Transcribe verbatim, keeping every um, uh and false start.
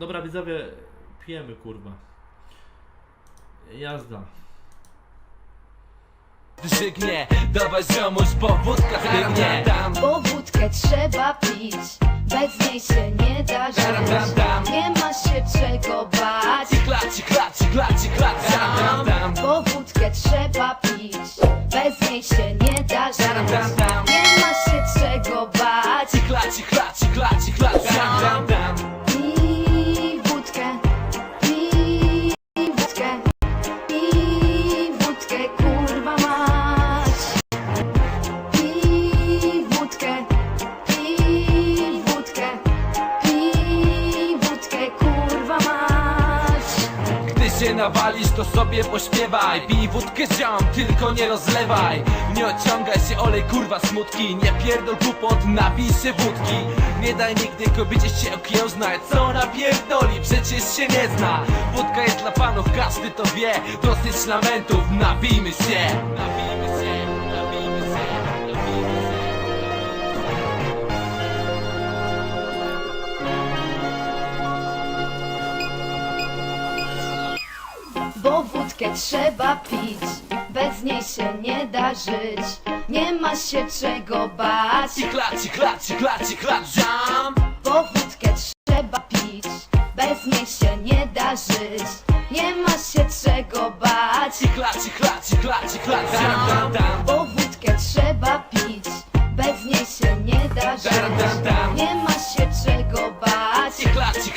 Dobra widzowie, pijemy kurwa. Jazda. Żygnie, dawaj ziomuś, bo wódka zbiegnie. Bo wódkę trzeba pić, bez niej się nie da żyć. Nie ma się czego bać. Klaci, klaci, klaci, klaci. Bo wódkę trzeba pić, bez niej się nie da żyć. Nie ma się czego bać. Klaci, klaci, klaci, klaci. Pij wódkę, pij wódkę, pij wódkę, kurwa mać. Pij wódkę, pij wódkę, pij wódkę, kurwa mać. Gdy się nawalisz, to sobie pośpiewaj. Pij wódkę ziom, tylko nie rozlewaj. Nie odciągaj się, olej kurwa smutki. Nie pierdol głupot, napij się wódki. Nie daj nigdy kobiecie się okiełznać. Co ona pierdoli, przecież się nie zna. Wódka jest dla fanów, każdy to wie. Dosyć lamentów, napijmy się. Napijmy się, napijmy się, napijmy się. Bo wódkę trzeba pić, bez niej się nie da żyć. Nie ma się czego bać. I klaci, klaci, klaci, klaczam. Bo wódkę trzeba pić, bez niej się nie da żyć. Nie ma się czego bać. I klaci, klaci, klaci, klaczam. Bo wódkę trzeba pić, bez niej się nie da żyć. Nie ma się czego bać. I klaci,